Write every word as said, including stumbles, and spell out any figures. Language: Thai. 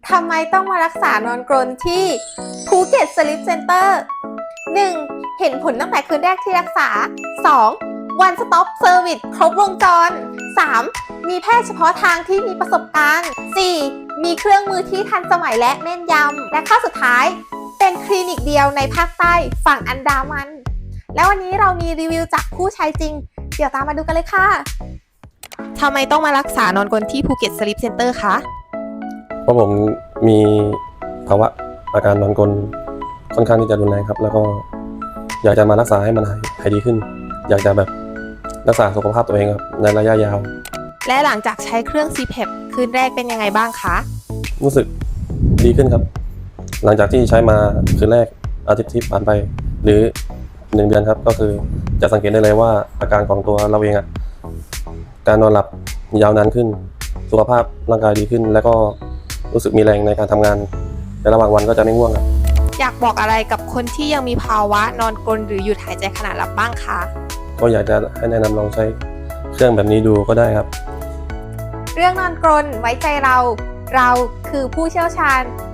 ทำไมต้องมารักษานอนกรนที่ภูเก็ตสลิปเซ็นเตอร์ หนึ่ง. เห็นผลตั้งแต่คืนแรกที่รักษา สอง. One Stop Service ครบวงจร สาม. มีแพทย์เฉพาะทางที่มีประสบการณ์ สี่. มีเครื่องมือที่ทันสมัยและแม่นยำ และข้อสุดท้ายเป็นคลินิกเดียวในภาคใต้ฝั่งอันดามัน แล้ววันนี้เรามีรีวิวจากผู้ใช้จริง เดี๋ยวตามมาดูกันเลยค่ะทำไมต้องมารักษานอนกรนที่ภูเก็ตสลิปเซ็นเตอร์คะเพราะผมมีภาวะอาการนอนกรนค่อนข้างที่จะรุนแรงครับแล้วก็อยากจะมารักษาให้มันหายหายดีขึ้น อยากจะแบบรักษาสุขภาพตัวเองครับในระยะยาวและหลังจากใช้เครื่อง ซี พี เอ พี คืนแรกเป็นยังไงบ้างคะรู้สึกดีขึ้นครับหลังจากที่ใช้มาคืนแรกอาทิตย์ที่ผ่านไปหรือหนึ่งเดือนครับก็คือจะสังเกตได้เลยว่าอาการของตัวเราเองอ่ะการนอนหลับยาวนานขึ้นสุขภาพร่างกายดีขึ้นแล้วก็รู้สึกมีแรงในการทำงานในระหว่างวันก็จะไม่ง่วงครับอยากบอกอะไรกับคนที่ยังมีภาวะนอนกรนหรือหยุดหายใจขณะหลับบ้างคะก็อยากจะให้แนะนำลองใช้เครื่องแบบนี้ดูก็ได้ครับเรื่องนอนกรนไว้ใจเราเราคือผู้เชี่ยวชาญ